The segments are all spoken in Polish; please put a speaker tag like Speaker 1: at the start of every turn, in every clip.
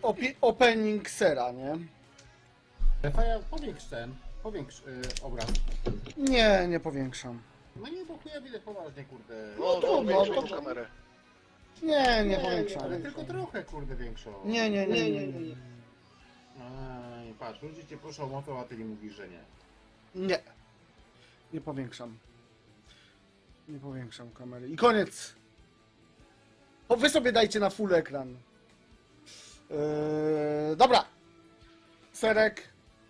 Speaker 1: opening sera, nie?
Speaker 2: Faja, powiększ obraz.
Speaker 1: Nie, nie powiększam.
Speaker 2: No nie, bo chuja widać poważnie, kurde.
Speaker 3: No,
Speaker 1: trudno,
Speaker 3: większą
Speaker 1: to-
Speaker 3: tą kamerę.
Speaker 1: Nie
Speaker 2: ale
Speaker 1: powiększam.
Speaker 2: tylko trochę, kurde, większą.
Speaker 1: Nie.
Speaker 2: Aj, patrz, ludzie cię proszą o to, a ty nie mówisz, że nie.
Speaker 1: Nie. Nie powiększam. Nie powiększam kamery. I koniec. O, wy sobie dajcie na full ekran. Dobra. Serek.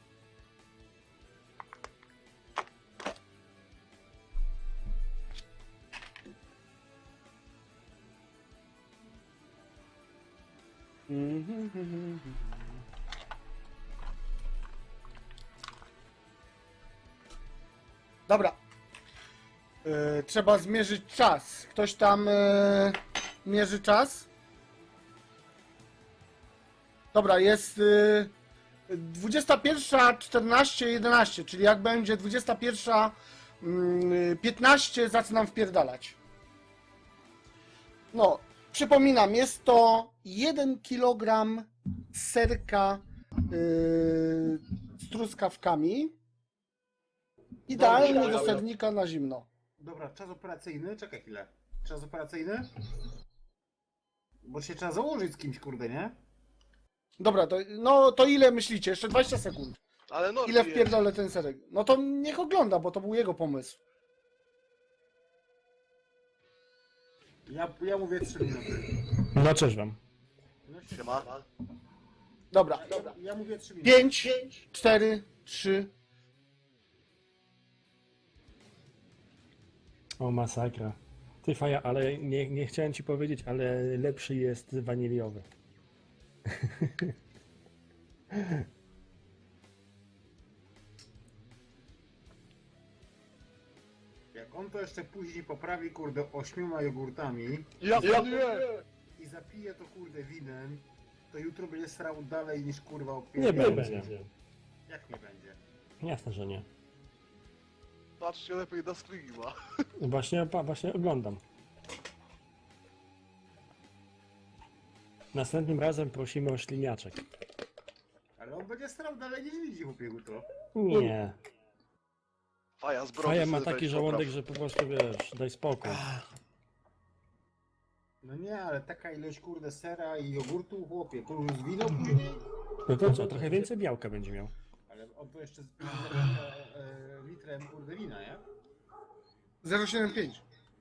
Speaker 1: Dobra. Trzeba zmierzyć czas. Ktoś tam mierzy czas? Dobra, jest 21:14:11, czyli jak będzie 21:15, zaczynam wpierdalać. No, przypominam, jest to 1 kg serka z truskawkami. Idealnie
Speaker 2: Dobra,
Speaker 1: do sernika na zimno.
Speaker 2: Dobra, czas operacyjny, czekaj chwilę. Czas operacyjny? Bo się trzeba założyć z kimś, kurde, nie?
Speaker 1: Dobra, to ile myślicie? Jeszcze 20 sekund.
Speaker 3: Ale no,
Speaker 1: Ile wpierdolę ten serek? No to niech ogląda, bo to był jego pomysł.
Speaker 2: Ja mówię 3 minuty.
Speaker 4: No cześć wam.
Speaker 2: No się...
Speaker 3: Siema.
Speaker 1: Dobra.
Speaker 2: Ja mówię 3 minuty.
Speaker 1: 5, 4, 3.
Speaker 4: O, masakra. Ty Faja, ale nie chciałem ci powiedzieć, ale lepszy jest waniliowy.
Speaker 2: Jak on to jeszcze później poprawi, kurde, 8 jogurtami
Speaker 3: Ja nie!
Speaker 2: i zapije to, kurde, winem, to jutro będzie srał dalej niż, kurwa, o
Speaker 4: Nie
Speaker 2: 5.
Speaker 4: będzie.
Speaker 2: Jak nie będzie?
Speaker 4: Jasne, że nie.
Speaker 3: Patrzcie lepiej na streama.
Speaker 4: Właśnie oglądam. Następnym razem prosimy o śliniaczek.
Speaker 2: Ale on będzie strał dalej niż widzi, chłopie, jutro.
Speaker 4: Nie.
Speaker 3: Faja zbroi.
Speaker 4: Faja ma taki żołądek, że po prostu wiesz, daj spokój.
Speaker 2: No nie, ale taka ilość, kurde, sera i jogurtu, chłopie, plus wino później.
Speaker 4: No to co, trochę więcej białka będzie miał.
Speaker 2: Ale on to jeszcze z litrem, kurde, wina, nie?
Speaker 1: 0,75.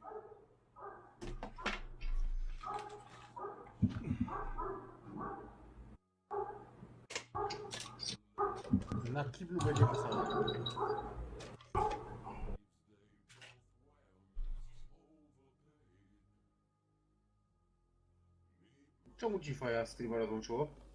Speaker 2: Na kiblu będzie wesoło. Czemu ci Faja streama rozłączyło?